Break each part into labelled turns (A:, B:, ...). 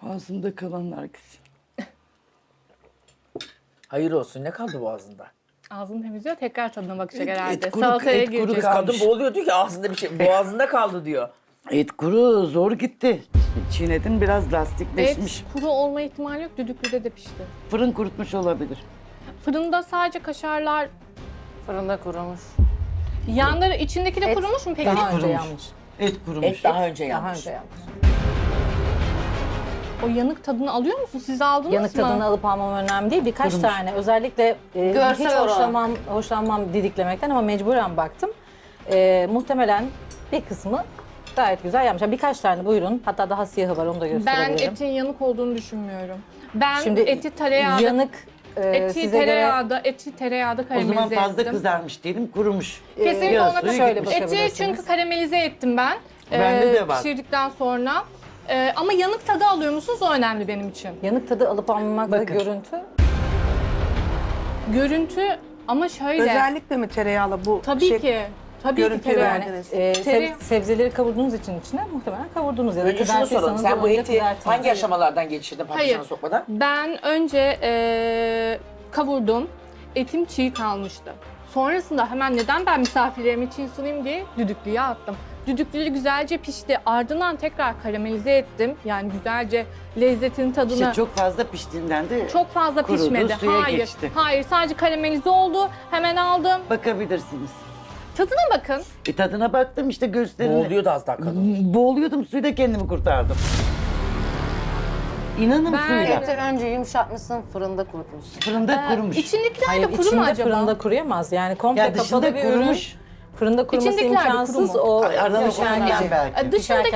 A: Ağzımda kalanlar güzel.
B: Hayır olsun, ne kaldı boğazında?
C: Ağzını temizliyor, tekrar tadına bakacak
A: Et
C: herhalde.
A: kuru,
C: Salataya
A: et kuru
C: girecek.
A: kalmış.
B: Kadın boğuluyor diyor ki ağzında bir şey, boğazında kaldı diyor.
A: Et kuru zor gitti. Çiğnedim biraz
C: Et
A: lastikleşmiş.
C: kuru olma ihtimali yok. Düdüklüde de pişti.
A: Fırın kurutmuş olabilir.
C: Fırında sadece kaşarlar,
D: Fırında kurumuş.
C: yanları içindeki de kurumuş mu peki?
D: Daha önce
A: kurumuş.
D: yanmış.
A: Et kurumuş.
B: Et daha önce
D: Daha
B: yanmış.
D: önce yanmış.
C: O yanık tadını alıyor musun? Siz aldınız
D: Yanık
C: mı?
D: tadını alıp almam önemli değil. Birkaç
A: Kurumuş.
D: tane özellikle
E: Görsel
D: hiç
E: olarak.
D: hoşlanmam didiklemekten ama mecburen baktım. Muhtemelen bir kısmı gayet güzel yapmış. Yani birkaç tane buyurun. Hatta daha siyahı var onu da
C: Ben
D: gösterebilirim.
C: etin yanık olduğunu düşünmüyorum. Ben
D: Şimdi
C: eti tereyağda,
D: yanık
C: eti tereyağda
A: O
C: karamelize
A: zaman fazla
C: ettim.
A: kızarmış diyelim, kurumuş.
C: Kesinlikle
A: Biraz
C: ona
A: suyu
D: şöyle
A: gitmiş.
D: bakın.
C: Eti çünkü karamelize ettim ben.
A: Bende de var.
C: Pişirdikten sonra. Ama yanık tadı alıyor musunuz? O önemli benim için.
D: yanık tadı alıp almamakla
A: Bakın.
D: görüntü.
C: Görüntü ama şöyle.
F: Özellikle mi tereyağlı bu
C: Tabii
F: şey-
C: ki. Tabii ki
F: görüntüyü
C: tereyağı.
F: verdiniz.
C: Tereyağı.
D: Sebzeleri kavurduğunuz için içine muhtemelen kavurdunuz ya da
B: Önce şunu soralım,
D: kızartırsanız
B: sen bu
D: önce
B: eti
D: kızartın.
B: hangi aşamalardan geçirdin patlıcana
C: Hayır.
B: sokmadan?
C: Ben önce kavurdum. Etim çiğ kalmıştı. Sonrasında hemen neden ben misafirlerim için sunayım diye düdüklüye attım. Düdüklü güzelce pişti. Ardından tekrar karamelize ettim. Yani güzelce lezzetin tadını...
A: İşte çok fazla piştiğinden de
C: Çok fazla
A: kurudu,
C: pişmedi.
A: suya
C: Hayır.
A: geçti.
C: Hayır, sadece karamelize oldu. Hemen aldım.
A: bakabilirsiniz.
C: Tadına bakın.
A: Tadına baktım işte gösterin.
B: Boğuluyordu az daha kadın.
A: Boğuluyordum, suyla kendimi kurtardım. İnanın
C: Ben-
A: suyla.
E: Eti önce yumuşatmışsın, fırında kurutmuşsun.
A: Fırında kurumuş.
C: İçindekiler
D: Hayır,
C: de kuru mu
D: içinde
C: acaba?
D: fırında kuruyamaz. Yani komple
A: Ya
D: kapalı
A: dışında
D: bir ürün.
A: kurumuş.
D: Fırında kuruması
C: İçindekiler de
D: imkansız.
C: kuru mu?
D: O
A: Aralıklarından
D: pişerken-
A: belki.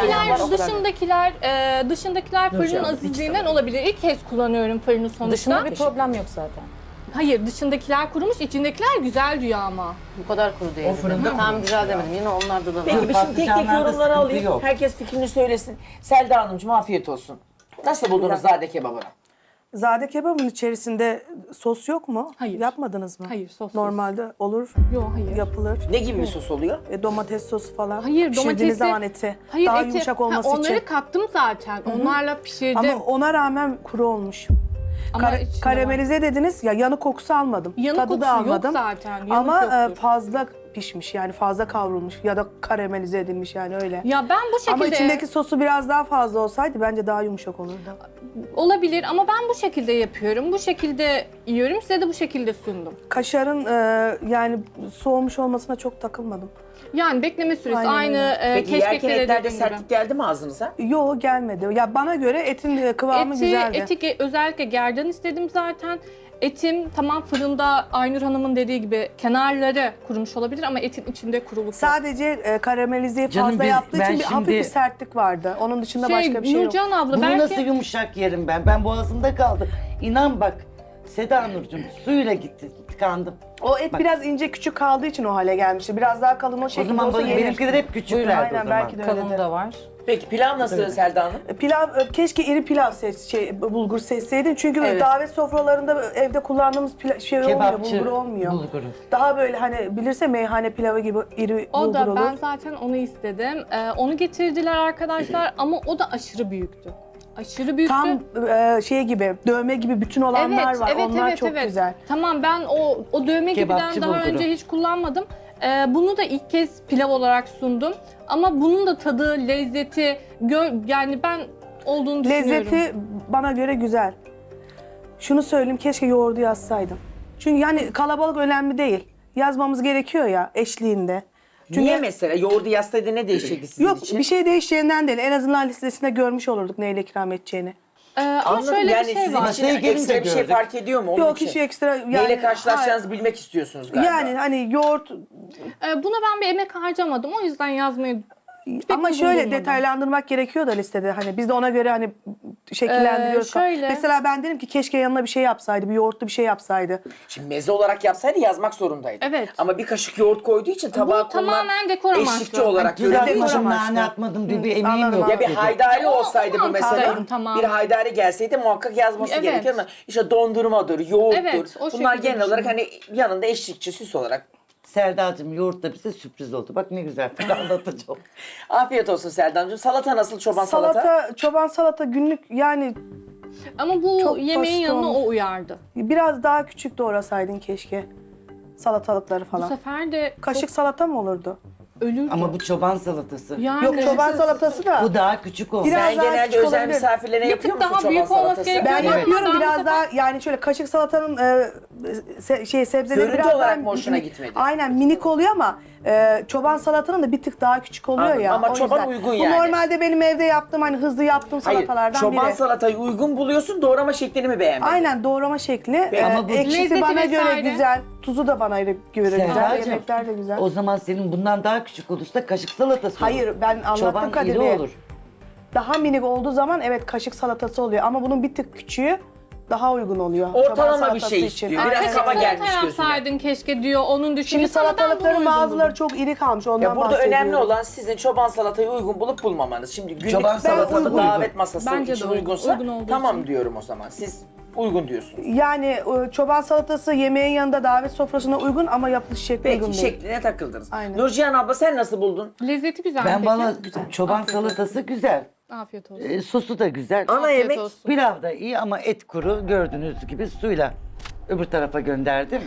C: Dışındakiler fırının
B: canım,
C: azizliğinden olabilir. İlk kez kullanıyorum fırını sonuçta.
D: Dışında bir problem yok zaten.
C: Hayır, dışındakiler kurumuş, içindekiler güzel diyor ama.
E: Bu kadar kuru değil.
B: O fırında
E: Tam güzel demedim. Yine onlarda da var.
B: Peki bir şimdi tek tek
A: Patlıcanlarda
B: yorumları
A: sıkıntı
B: alayım.
A: yok.
B: Herkes fikrini söylesin. Selda Hanımcığım afiyet olsun. Nasıl buldunuz zade kebabını?
F: Zade kebabın içerisinde sos yok mu?
C: Hayır.
F: Yapmadınız mı?
C: Hayır, sossuz.
F: Normalde olur,
C: Yok, hayır.
F: yapılır.
B: Ne gibi bir sos oluyor?
F: Domates sosu falan.
C: Hayır,
F: Pişirdiğiniz
C: domatesi...
F: zaman eti.
C: Hayır,
F: daha
C: eti...
F: yumuşak
C: Ha,
F: olması
C: onları
F: için.
C: kattım zaten. Onlarla pişirdim.
F: Ama ona rağmen kuru olmuş.
C: Ama içinde
F: Karamelize dediniz ya, yanık kokusu almadım.
C: Yanık
F: Tadı
C: kokusu
F: da
C: yok
F: almadım.
C: zaten, yanık
F: Ama
C: yoktur.
F: fazla pişmiş, yani fazla kavrulmuş ya da karamelize edilmiş, yani öyle.
C: Ya ben bu şekilde...
F: Ama içindeki sosu biraz daha fazla olsaydı bence daha yumuşak olurdu.
C: Olabilir ama ben bu şekilde yapıyorum. Bu şekilde yiyorum. Size de bu şekilde sundum.
F: Kaşarın yani soğumuş olmasına çok takılmadım.
C: Yani bekleme süresi
F: Aynen
C: aynı
F: öyle.
B: Peki yerken
C: keşkeklere
B: etlerde
C: dediğim gibi.
B: sertlik geldi mi ağzınıza?
F: Yo, gelmedi. Ya bana göre etin kıvamı güzeldi.
C: Özellikle gerdan istedim zaten. Etim tamam fırında Aynur Hanım'ın dediği gibi kenarları kurumuş olabilir ama etin içinde kuruluk yok.
F: Sadece karamelizeyi
A: Canım
F: fazla
A: biz-
F: yaptığı
A: ben
F: için hafif
A: şimdi-
F: bir sertlik vardı. Onun dışında başka bir şey yok.
C: Nurcan abla
A: Bunu
C: belki...
A: nasıl yumuşak yerim ben? Ben boğazımda kaldı. İnan bak Seda Nurcuğum suyla gitti, tıkandım.
F: O et
A: Bak.
F: biraz ince küçük kaldığı için o hale gelmişti. Biraz daha kalın o
A: O
F: şekilde
A: zaman
F: olsa yenir.
A: benimkiler hep küçüklerdi
F: Aynen,
A: o zaman.
F: belki de
D: Kalın
F: öyledir.
D: da var.
B: Peki pilav nasıl Selda Hanım?
F: Pilav, keşke iri pilav bulgur seçseydin. Çünkü böyle
B: Evet.
F: davet sofralarında evde kullandığımız şey olmuyor,
A: Kebapçı
F: bulgur olmuyor.
A: bulguru.
F: Daha böyle hani bilirse meyhane pilavı gibi iri
C: O
F: bulgur
C: da
F: olur.
C: ben zaten onu istedim. Onu getirdiler arkadaşlar ama o da aşırı büyüktü. Aşırı büyüktü.
F: Tam şey gibi, dövme gibi bütün olanlar var. Onlar çok güzel.
C: Tamam ben o dövme
A: Kebapçı
C: gibiden daha
A: bulguru.
C: önce hiç kullanmadım. Bunu da ilk kez pilav olarak sundum. Ama bunun da tadı, lezzeti, yani ben olduğunu düşünüyorum.
F: Lezzeti bana göre güzel. Şunu söyleyeyim, keşke yoğurdu yazsaydım. Çünkü yani kalabalık önemli değil. Yazmamız gerekiyor ya eşliğinde. Çünkü
B: Niye mesela? Yoğurdu yazsaydı ne değişecekti sizin
F: yok
B: için?
F: bir şey değişeceğinden değil. En azından listesinde görmüş olurduk neyle ikram edeceğini.
C: Ama
B: Anladım.
C: şöyle
B: Yani
C: bir şey
B: sizin
C: var.
B: için
A: Masaya gelince
B: ekstra bir şey
A: gördük.
B: fark ediyor mu? Onun
F: Yok
B: için.
F: hiç ekstra yani.
B: Neyle karşılaşacağınızı bilmek istiyorsunuz galiba.
F: Yani hani yoğurt
C: Buna ben bir emek harcamadım. O yüzden yazmayı
F: ama
C: uygun
F: şöyle
C: bulmadım.
F: detaylandırmak gerekiyor da listede. Hani biz de ona göre hani şekillendiriyoruz.
C: Şöyle.
F: Mesela ben dedim ki keşke yanına bir şey yapsaydı, bir yoğurtlu bir şey yapsaydı.
B: Şimdi meze olarak yapsaydı yazmak zorundaydı.
C: Evet.
B: Ama bir kaşık yoğurt koyduğu için tabağa
C: Bu tamamen dekor amaçlı.
B: eşlikçi olarak
A: Tuz
B: görüldüğü
F: dekor
B: için.
A: atmadım,
F: amaçlı.
A: nane atmadım diye bir emeğim
F: Anladım,
A: yok.
B: Ya bir
A: dedi.
B: haydari olsaydı bu mesela.
C: mantıklıyım, tamam.
B: Bir haydari gelseydi muhakkak yazması
C: Evet.
B: gerekiyor ama işte dondurmadır, yoğurttur.
C: Evet, o
B: Bunlar
C: şekilde
B: genel olarak hani yanında eşlikçi, süs olarak
A: Selda'cığım yoğurt da bize sürpriz oldu. Bak ne güzel anlatacağım.
B: Afiyet olsun Selda Hanımcığım. Salata nasıl, çoban salata?
F: Çoban salata günlük yani
C: Ama bu
F: Çok
C: yemeğin
F: basit
C: yanına
F: olmuş.
C: o uyardı.
F: biraz daha küçük doğrasaydın keşke. Salatalıkları
C: Bu
F: falan.
C: sefer de
F: Kaşık salata mı olurdu?
C: ölürdü.
A: Ama bu çoban salatası.
C: yani,
F: Yok çoban salatası da.
A: Bu daha küçük oldu.
F: Biraz
B: Sen
F: daha
B: genelde
F: küçük
B: özel
F: olabilir.
B: misafirlere
C: Bir
B: yapıyor
C: tık
B: musun
C: daha
B: çoban
C: büyük olması
B: salatası?
C: gerekiyor.
F: Ben
C: Ama
F: yapıyorum
C: ben bu
F: biraz
C: sefer-
F: daha yani şöyle kaşık salatanın sebzeleri
B: Görüntü
F: biraz
B: olarak
F: daha
B: mı hoşuna
F: minik-
B: gitmedi?
F: Aynen minik oluyor ama çoban salatanın da bir tık daha küçük oluyor
B: Anladım.
F: ya.
B: Ama
F: o
B: çoban
F: yüzden.
B: uygun
F: Bu
B: yani.
F: normalde benim evde yaptığım hani hızlı yaptığım
B: Hayır,
F: salatalardan
B: çoban
F: biri.
B: salatayı uygun buluyorsun, doğrama şeklini mi beğenmedin?
F: Aynen doğrama şekli.
A: Ama bu-
F: Ekşisi
C: Lezzeti
F: bana göre
C: vesaire.
F: güzel. Tuzu da bana göre güzel.
A: Selda'cığım,
F: Yemekler de güzel.
A: o zaman senin bundan daha küçük olursa kaşık salatası olur.
F: Hayır ben anlattım
A: Çoban
F: Kadir
A: iri
F: Bey.
A: olur.
F: Daha minik olduğu zaman evet kaşık salatası oluyor ama bunun bir tık küçüğü daha uygun oluyor.
B: Ortalama
F: çoban
B: bir
F: salatası
B: şey
F: için.
B: istiyor. Biraz
F: Aynen.
C: Kaşık
B: kaba
C: salata
B: gelmiş gözüne.
C: yapsaydın keşke diyor. Onun düşüncesi
F: Şimdi
C: ama ben bunu
F: salatalıkların
C: uygun
F: bazıları
C: buldum.
F: çok iri kalmış ondan
B: Ya burada
F: bahsediyorum.
B: önemli olan sizin çoban salatayı uygun bulup bulmamanız. Şimdi günlük
A: Çoban salatası
B: salatası
A: uygun.
B: davet masası
C: Bence de
B: için
C: uygun.
B: uygunsa
C: Uygun olduğu
B: tamam
C: için.
B: diyorum o zaman. Siz uygun diyorsunuz.
F: Yani çoban salatası yemeğin yanında davet sofrasına uygun ama yapılış şekli uygun
B: Peki
F: değil.
B: şekline takıldınız.
F: Aynen.
B: Nurcihan abla sen nasıl buldun?
C: Lezzeti güzel.
A: Ben
C: peki.
A: bana
F: Güzel.
A: çoban
C: Afiyet olsun.
A: salatası güzel.
C: Afiyet olsun.
A: Sosu da güzel.
B: Ana
C: Afiyet
B: yemek
C: olsun.
A: Pilav da iyi ama et kuru gördüğünüz gibi suyla öbür tarafa gönderdim.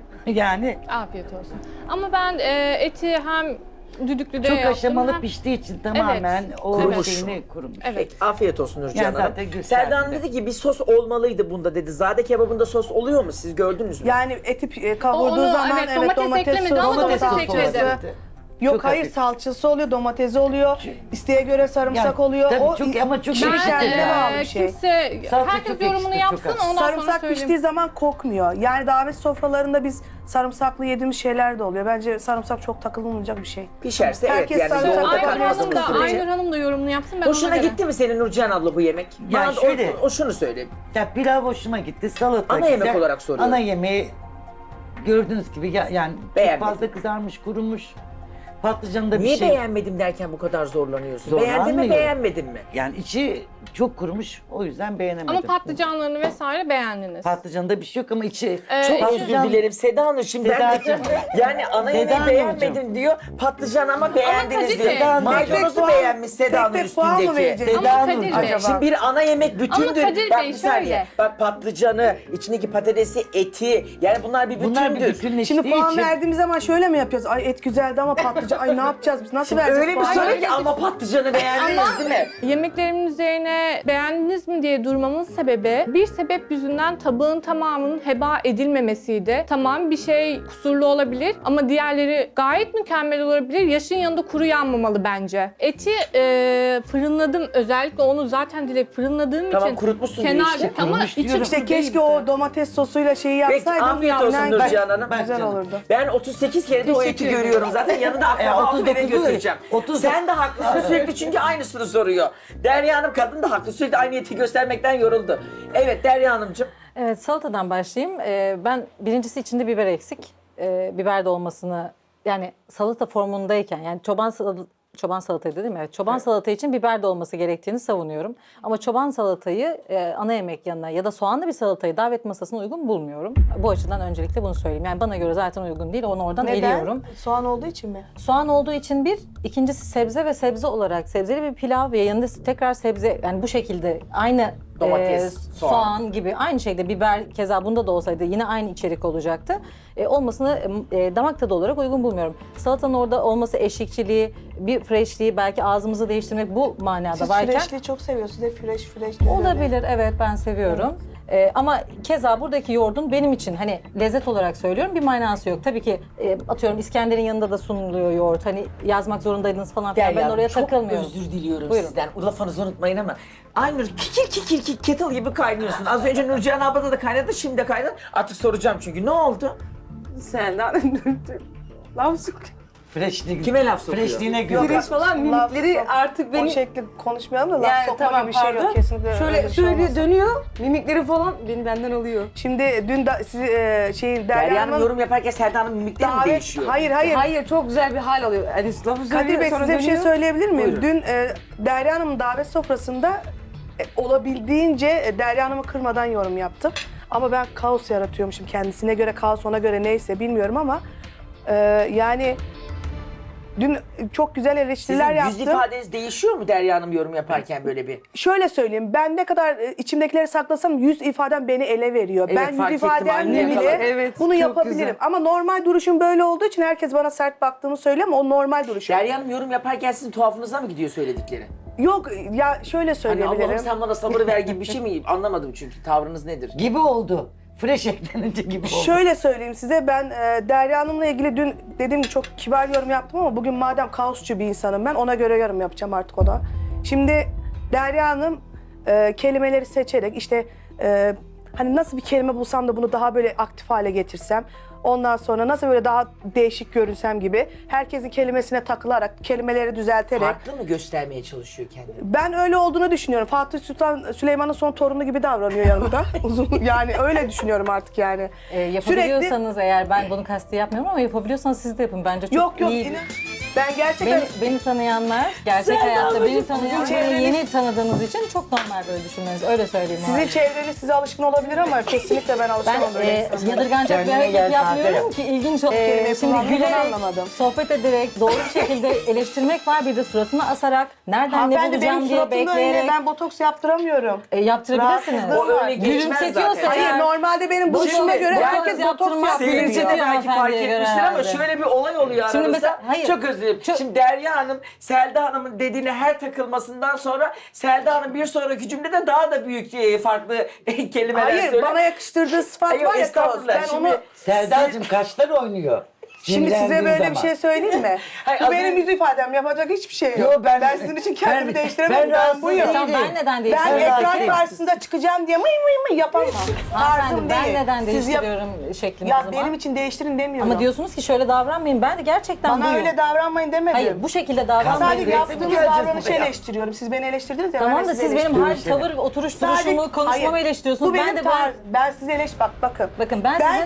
A: Yani
C: Afiyet olsun. Ama ben eti hem düdüklüde
A: çok
C: yaptım
A: aşamalı
C: hem...
A: piştiği için tamamen o
B: Kurumuş.
A: şeyini kurumuş.
C: Evet.
B: Peki afiyet olsun Nurcihan
A: Yani
B: Hanım.
A: zaten gösterdi.
B: Selda Hanım dedi ki bir sos olmalıydı bunda dedi. Zade kebabında sos oluyor mu? Siz gördünüz mü?
F: Yani eti kavurduğu
C: Onu,
F: zaman
C: evet,
F: evet,
C: domates eklemedi ama
A: Domates
C: domates
A: sosu
C: ekledi.
A: vardı.
F: Yok
A: Çok
F: hayır
A: hafif.
F: salçası oluyor, domatesi oluyor. İsteğe göre sarımsak
A: Yani,
F: oluyor.
A: tabii
F: o
A: çok- ama çok
F: pişen
A: ekşi
F: kendine
A: yani.
F: bağlı bir şey.
C: Kimse,
A: Salça
C: herkes
A: çok
C: yorumunu
A: ekşi,
C: yapsın
A: çok az.
C: ondan sonra
F: Sarımsak
C: söyleyeyim.
F: piştiği zaman kokmuyor. Yani davet sofralarında biz sarımsaklı yediğimiz şeyler de oluyor. Bence sarımsak çok takılmayacak bir şey.
B: Pişerse
F: Herkes
B: evet yani
F: sarımsak
B: yoğurda
C: Aynur
F: yapar,
C: Hanım da,
B: karıştığımız sürece.
C: Aynur Hanım da yorumunu yapsın ben
B: Hoşuna
C: ona göre.
B: gitti mi senin Nurcihan abla bu yemek?
A: Ya
B: Bana
A: şöyle-
B: o şunu söyle.
A: Ya pilav hoşuma gitti, salata
B: Ana
A: güzel.
B: yemek olarak soruyorum.
A: Ana yemeği gördüğünüz gibi yani
B: Beğenmedim.
A: çok fazla kızarmış, kurumuş. Patlıcanı da bir
B: Niye
A: şey.
B: beğenmedim derken bu kadar zorlanıyorsun? Beğendin mi
A: Zorlanmıyorum.
B: beğenmedin mi?
A: Yani içi çok kurumuş, o yüzden beğenemedim.
C: Ama patlıcanlarını vesaire beğendiniz.
A: Patlıcanında bir şey yok ama içi
B: Çok
A: patlıcan-
B: özür dilerim Seda Hanım. Şimdi ben de,
A: Sedacığım.
B: yani ana
A: Seda
B: yemeği
A: Hanımcığım.
B: beğenmedim diyor. Patlıcan ama beğendiniz
C: Kadir
B: diyor.
C: Bey.
A: Seda Hanımcığım.
B: Maydanozu
F: Tek
B: beğenmiş Seda Hanım
F: tek puan mı
B: üstündeki.
F: vereceğiz?
C: Ama
A: Seda
C: Kadir
A: Hanımcığım.
C: Bey.
F: Acaba?
B: Şimdi bir ana yemek bütündür.
C: Ama Kadir
B: Bak
C: Bey,
B: bir saniye.
C: şöyle.
B: Bak patlıcanı, içindeki patatesi, eti. Yani bunlar bir bütündür.
A: Bunlar bir bütünleştiği
F: Şimdi puan
A: için
F: verdiğimiz zaman şöyle mi yapıyoruz? Ay et güzeldi ama patlıcan. Ay ne yapacağız biz? Nasıl
B: Şimdi
F: vereceğiz
B: öyle bir
F: puan?
B: soru ki ama patlıcanı beğendiniz değil mi?
C: Yemeklerimin üzerine beğendiniz mi diye durmamın sebebi bir sebep yüzünden tabağın tamamının heba edilmemesiydi. Tamam bir şey kusurlu olabilir ama diğerleri gayet mükemmel olabilir. Yaşın yanında kuru yanmamalı bence. Eti fırınladım. Özellikle onu zaten direkt fırınladığım
B: Tamam,
C: için
B: kurutmuşsun diyor
C: kenarda
B: işte.
C: ama
A: Kurumuş
C: içi
A: diyorum.
F: İşte
C: kuru
F: keşke
C: değildi.
F: o domates sosuyla şeyi
B: Peki
F: yapsaydım.
B: afiyet olsun
F: inan
B: Nurcihan Hanım.
F: Güzel
A: Bak
F: olurdu.
B: Ben 38 kere de o eti
C: Teşekkür ederim.
B: görüyorum zaten. Yanında akraba alıp eve
A: 39'u
B: götüreceğim.
A: 30.
B: Sen de haklısın sürekli çünkü aynısını soruyor. Derya Hanım kadın da haklı. Sürekli aynı eti göstermekten yoruldu. Evet Derya Hanımcığım.
D: Evet, salatadan başlayayım. Ben birincisi içinde biber eksik. Biber de olmasını yani salata formundayken yani çoban salatayı dedim mi? Evet, çoban salata için biber de olması gerektiğini savunuyorum. Ama çoban salatayı ana yemek yanına ya da soğanlı bir salatayı davet masasına uygun bulmuyorum. Bu açıdan öncelikle bunu söyleyeyim. Yani bana göre zaten uygun değil. Onu oradan eliyorum.
F: Neden? Soğan olduğu için mi?
D: Soğan olduğu için bir, ikincisi sebze ve sebze olarak sebzeli bir pilav ve yanında tekrar sebze yani bu şekilde aynı
B: Domates,
D: soğan gibi aynı şekilde biber keza bunda da olsaydı yine aynı içerik olacaktı. Olmasını damak tadı olarak uygun bulmuyorum. Salatanın orada olması eşlikçiliği, bir freshliği belki ağzımızı değiştirmek bu manada
F: Siz
D: varken
F: freshliği çok seviyorsunuz. Hep fresh diyor.
D: olabilir, evet ben seviyorum. Ama keza buradaki yoğurdun benim için hani lezzet olarak söylüyorum bir manası yok. Tabii ki atıyorum İskender'in yanında da sunuluyor yoğurt. Hani yazmak zorundaydınız falan filan. Ben oraya
B: çok
D: takılmıyorum.
B: özür diliyorum
D: Buyurun.
B: sizden. Lafınızı unutmayın ama Aynur kikir kettle gibi kaynıyorsun. Az önce Nurcihan ablada da kaynadı, şimdi de kaynadı. Artık soracağım çünkü. Ne oldu?
G: Selda laf sokuyor.
A: freshliği,
B: Kime laf sokuyor?
A: freshliğine göre.
G: Fresh falan mimikleri artık
F: O
G: beni...
F: şekli konuşmayalım da laf
G: Yani
F: sokma
G: tamam
F: gibi bir şey
G: pardon.
F: yok. Kesinlikle öyle
G: Şöyle
F: bir şey
G: söylüyor,
F: olmaz.
G: dönüyor. Mimikleri falan beni benden alıyor.
F: Şimdi dün da, sizi
B: Derya
F: Derya
B: Hanım
F: Hanım'ın
B: yorum yaparken Selda Hanım mimikleri mi
F: davet...
B: değişiyor?
F: Hayır.
G: Hayır çok güzel bir hal alıyor. Yani lafı söylüyor
F: Kadir Bey
G: sonra
F: size bir şey
G: dönüyor.
F: söyleyebilir miyim?
B: Buyurun.
F: Dün Derya Hanım'ın davet sofrasında olabildiğince Derya Hanım'ı kırmadan yorum yaptım. Ama ben kaos yaratıyormuşum kendisine göre kaos ona göre neyse bilmiyorum ama Yani dün çok güzel eleştiriler
B: Sizin
F: yaptım.
B: yüz ifadeniz değişiyor mu Derya Hanım yorum yaparken böyle bir?
F: Şöyle söyleyeyim, ben ne kadar içimdekileri saklasam yüz ifadem beni ele veriyor.
B: Evet,
F: ben
B: fark
F: yüz
B: ettim,
F: ifademle
B: anneye
F: bile
B: kadar.
G: Evet,
F: bunu
G: çok
F: yapabilirim.
G: güzel.
F: Ama normal duruşum böyle olduğu için herkes bana sert baktığımı söylüyor ama o normal duruşum.
B: Derya Hanım yorum yaparken sizin tuhafınıza mı gidiyor söyledikleri?
F: Yok ya şöyle
B: Hani
F: söyleyebilirim.
B: Allah'ım sen bana sabır ver gibi bir şey mi? Anlamadım çünkü tavrınız nedir?
A: Gibi oldu. Fresh eklenince gibi oldu.
F: Şöyle söyleyeyim size, ben Derya Hanım'la ilgili dün dediğim gibi çok kibar yorum yaptım ama bugün madem kaosçu bir insanım ben, ona göre yorum yapacağım artık ona. Şimdi Derya Hanım kelimeleri seçerek işte hani nasıl bir kelime bulsam da bunu daha böyle aktif hale getirsem, ondan sonra nasıl böyle daha değişik görünsem gibi herkesin kelimesine takılarak, kelimeleri düzelterek.
B: Farklı mı göstermeye çalışıyor kendini?
F: Ben öyle olduğunu düşünüyorum. Fatih Sultan Süleyman'ın son torunu gibi davranıyor yanımda. Uzun, yani öyle düşünüyorum artık yani.
D: Yapabiliyorsanız eğer, ben bunu kasti yapmıyorum ama yapabiliyorsanız siz de yapın. Bence çok
F: Yok
D: iyi.
F: inan. Ben gerçekten
D: Beni tanıyanlar, gerçek hayatta beni tanıyan,
F: sizin
D: beni
F: çevreniz-
D: yeni tanıdığınız için çok normal böyle düşünmeniz. Öyle söyleyeyim.
F: sizin
D: yani.
F: çevreniz size alışkın olabilir ama kesinlikle ben
D: Ben
F: alışamam böyle insanlara.
D: yadırganacak bir
A: Kendine
D: hareket
A: gel,
D: yapmıyorum
A: kahve
D: ki ilginç olsun.
F: kelimeyi
D: Şimdi
F: kullandığını ben
D: gülerek,
F: anlamadım.
D: sohbet ederek, doğru bir şekilde eleştirmek var. Bir de suratına asarak, nereden ne
F: Hanımefendi benim
D: bulacağım diye
F: suratımda öyle,
D: bekleyerek
F: ben botoks yaptıramıyorum.
D: yaptırabilirsiniz.
F: Rahatsızlığım
B: O öyle geçmez
D: Gülümsetiyorsa
B: zaten.
F: Hayır
D: eğer-
F: normalde benim duruşuma göre
D: botoks
F: herkes botoks
D: yaptırmak
F: yaptırıyor.
B: Seyirci de
D: Gerekiyor
B: belki fark
D: hanımefendiye göre
B: etmiştir ama
D: herhalde.
B: şöyle bir olay oluyor
D: Şimdi
B: aranızda.
D: mesela- hayır.
B: Çok özür dilerim. Şimdi Derya Hanım, Selda Hanım'ın dediğine her takılmasından sonra Selda Hanım bir sonraki cümlede daha da büyük farklı kelimeler
F: Hayır
B: söylüyor.
F: bana yakıştırdığı sıfat
B: Hayır,
F: var ya kaos.
B: estağfurullah.
F: Ben
B: Şimdi-
F: onu
A: Selda'cığım kaşlar oynuyor.
F: Şimdi size
A: Sinirlendiği
F: böyle bir
A: zaman.
F: şey söyleyeyim mi?
B: Hayır,
F: Bu
B: az
F: benim
B: önce-
F: yüz ifadem, yapacak hiçbir şey yok.
A: Yo,
F: ben sizin için kendimi değiştiremem. Ben buyum.
D: Tamam, ben neden
F: Ben
D: değiştiriyorum?
F: ekran
A: rahatsızım.
F: karşısında çıkacağım diye mıy mıy mıy yapamam.
D: Hanımefendi,
F: Tarzım
D: ben
F: değil.
D: neden
F: Siz yap-
D: değiştiriyorum şeklimi o
F: Ya
D: zaman?
F: benim için değiştirin demiyorum.
D: Ama diyorsunuz ki şöyle davranmayın. Ben de gerçekten
F: Bana
D: buyum.
F: öyle davranmayın demedim.
D: Hayır, bu şekilde davranmayın.
F: Sadece
D: diye-
F: yaptığınız
A: göreceğiz
F: davranışı
A: buraya.
F: eleştiriyorum. Siz beni eleştirdiniz ya. ben
D: Tamam
F: de
D: da
F: sizi
D: siz benim hal,
F: eleştiriyorum.
D: tavır, oturuş,
F: Sadece-
D: duruşumu, konuşmamı
F: Hayır,
D: eleştiriyorsunuz.
F: Bu benim
D: Ben de
F: ben sizi bakın.
D: Bakın ben sizin-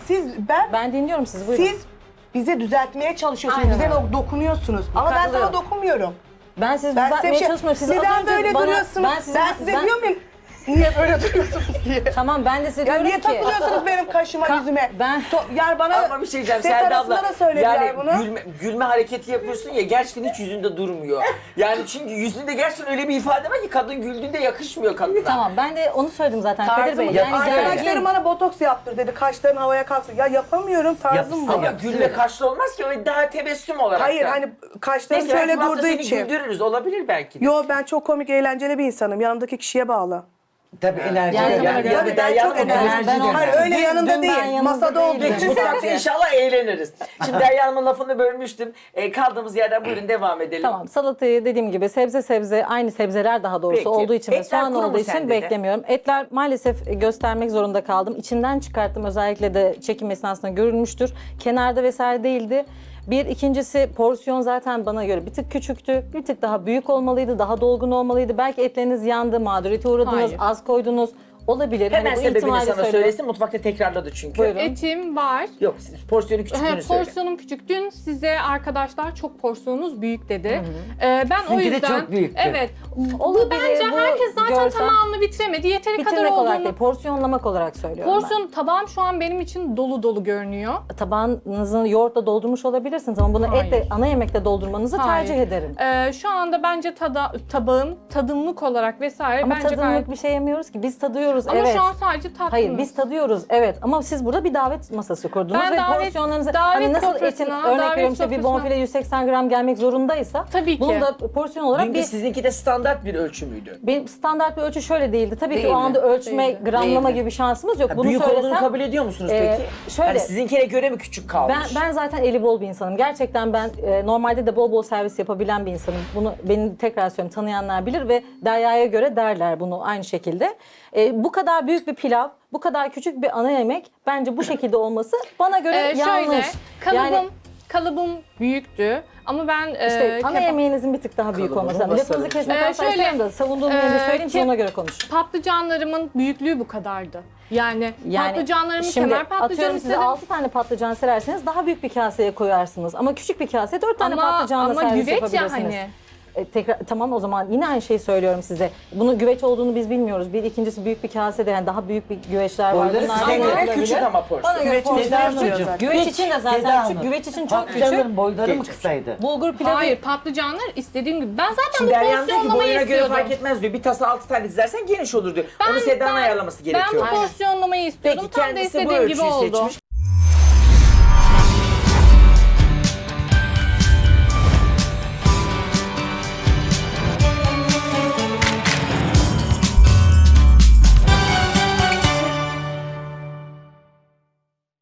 F: Ben
D: dinliyorum sizi. Buyurun.
F: siz bize düzeltmeye çalışıyorsunuz.
D: Aynen
F: Bize
D: öyle.
F: dokunuyorsunuz. Ama ben sana
D: Katılıyorum.
F: dokunmuyorum.
D: Ben sizi
F: Ben size
D: düzeltmeye
F: bir şey...
D: çalışmıyorum. Siz az
F: Neden
D: önce
F: böyle
D: bana-
F: duruyorsunuz? Ben size diyor muyum? Niye böyle duruyorsunuz diye.
D: Tamam, ben de size
F: Ya
D: diyorum
F: niye
D: ki.
F: takılıyorsunuz benim kaşıma, yüzüme? Yani bana
B: Ama bir şey diyeceğim
F: set
B: Selda
F: arasında
B: abla.
F: da söylediler
B: Yani
F: bunu.
B: gülme hareketi yapıyorsun ya gerçekten hiç yüzünde durmuyor. Yani çünkü yüzünde gerçekten öyle bir ifade var ki kadın güldüğünde yakışmıyor kadına.
D: Tamam, ben de onu söyledim zaten Kadir Bey.
F: Tarzım,
D: Yani
F: arkadaşlarım
D: gergin.
F: bana botoks yaptır dedi. Kaşların havaya kalksın. Ya yapamıyorum, tarzım bu.
B: Ama gülme kaşlı olmaz ki o daha tebessüm olarak.
F: Hayır
B: da.
F: hani kaşlarım
B: Neyse,
F: şöyle
B: belki bu hafta
F: durduğu
B: seni
F: için.
B: güldürürüz olabilir belki de.
F: Yo ben çok komik, eğlenceli bir insanım. Yanımdaki kişiye bağlı.
A: Tabii enerji.
D: Yani
A: yani,
D: tabii,
F: Tabii ben çok enerjiyim.
D: Ben
F: Hayır
D: olmam.
F: öyle
D: Dün
F: yanında
D: ben
F: değil.
D: yanında
F: Masada olduğu
D: değildim.
F: için.
B: Mutfakta inşallah eğleniriz. Şimdi Derya Hanım'ın lafını bölmüştüm. Kaldığımız yerden buyurun devam edelim.
D: Tamam, salatayı dediğim gibi sebze aynı sebzeler daha doğrusu
B: Peki.
D: olduğu için ve
B: Etler
D: soğan
B: kuru mu
D: olduğu
B: sende
D: için
B: de?
D: beklemiyorum. Etler maalesef göstermek zorunda kaldım. İçinden çıkarttım, özellikle de çekim esnasında görülmüştür. Kenarda vesaire değildi. İkincisi porsiyon zaten bana göre bir tık küçüktü. Bir tık daha büyük olmalıydı, daha dolgun olmalıydı. Belki etleriniz yandı, mağduriyete uğradınız,
C: Hayır.
D: az koydunuz. Olabilir.
B: Hemen
D: Hani bu
B: sebebini
D: ihtimali
B: sana
D: söylüyorum.
B: söylesin. Mutfakta tekrarladı çünkü.
D: Buyurun.
C: Etim var.
B: Yok siz porsiyonu küçüklüğünü söyle.
C: Porsiyonum küçük. Dün size arkadaşlar çok porsiyonunuz büyük dedi. Ben o
A: Sizinki de
C: yüzden...
A: çok büyüktü.
C: Evet.
D: Olabilir,
C: Bu bence
D: bu
C: herkes zaten
D: görsel-
C: tamamını bitiremedi. Yeteri kadar
D: Bitirmek olarak
C: olduğunu...
D: değil, porsiyonlamak olarak söylüyorum
C: Porsiyon tabağım şu an benim için dolu dolu görünüyor.
D: ben. Tabağınızı yoğurtla doldurmuş olabilirsiniz ama bunu
C: Hayır.
D: etle, ana yemekle doldurmanızı
C: Hayır.
D: tercih ederim.
C: Şu anda bence tabağım tadımlık olarak vesaire
D: Ama
C: bence
D: tadımlık
C: gayet...
D: bir şey yemiyoruz ki. Biz tadıyoruz,
C: Ama
D: evet.
C: şu an sadece tatlım.
D: Hayır, biz tadıyoruz, evet. Ama siz burada bir davet masası kurdunuz
C: Ben
D: ve
C: davet-
D: porsiyonlarınızı...
C: davet
D: hani nasıl etin,
C: sofrasına,
D: örnek
C: davet
D: veriyorum işte bir
C: sofrasına-
D: bonfile 180 gram gelmek zorundaysa...
C: Tabii ki.
D: Bunun da porsiyon olarak
B: Dünkü
D: bir...
B: sizinki de standart bir ölçü müydü?
D: Benim standart bir ölçü şöyle değildi. Tabii ki
B: Değildi.
D: o anda ölçme,
C: Değildi.
D: gramlama
B: Değildi.
D: gibi şansımız yok.
B: Ha,
D: Bunu
B: büyük
D: söylesem...
B: olduğunu kabul ediyor musunuz
D: Ee,
B: peki?
D: şöyle-
B: Hani sizinkine göre mi küçük kalmış?
D: Ben zaten eli bol bir insanım. Gerçekten ben normalde de bol bol servis yapabilen bir insanım. Bunu beni tekrar söylüyorum, tanıyanlar bilir ve Derya'ya göre derler bunu aynı şekilde. Bu kadar büyük bir pilav, bu kadar küçük bir ana yemek bence bu şekilde olması bana göre yanlış.
C: Kalıbım büyüktü ama ben
D: İşte ana yemeğinizin bir tık daha büyük
B: Kalıbını
D: olması lazım. Lafınızı
B: basarım.
D: kesmekten
C: Şöyle,
D: sayıyorum da savunduğum yeri söyleyeyim siz ona göre konuşun.
C: patlıcanlarımın büyüklüğü bu kadardı. Yani patlıcanlarımı
D: şimdi
C: kenar patlıcan
D: atıyorum size
C: istedim.
D: 6 tane patlıcan sererseniz daha büyük bir kaseye koyarsınız. Ama küçük bir kaseye 4 tane
C: Ama
D: patlıcanla servis
C: güveç ya
D: yapabilirsiniz.
C: hani.
D: tekrar tamam o zaman yine aynı şeyi söylüyorum size. Bunun güveç olduğunu biz bilmiyoruz. Bir ikincisi büyük bir kasede yani daha büyük bir güveçler var.
A: Boyları
D: Bunlar
B: Size
D: da
B: göre
D: yapılabilir.
B: küçük ama porsiyon.
D: Bana göre
F: Güveç
D: porsiyon
A: Seda
D: küçük.
A: Hanımcığım,
D: Güveç için de
A: Seda
D: zaten
A: Hanım,
D: küçük. Güveç için çok küçük.
A: patlıcanların boyları mı
B: Küçük.
A: kısaydı?
D: Bulgur pilavı.
C: Hayır, patlıcanlar istediğim gibi. Ben zaten
B: Şimdi
C: bu
B: Deryan diyor ki
C: porsiyonlamayı
B: boyuna göre
C: istiyordum.
B: fark etmez diyor. Bir tasa 6 tane dizersen geniş olur diyor. Onu Seda'nın ayarlaması
C: Ben
B: gerekiyor.
C: bu porsiyonlamayı istiyordum.
B: Peki
C: Tam da
B: kendisi bu
C: istediğim gibi
B: ölçüyü
C: oldu.
B: seçmiş.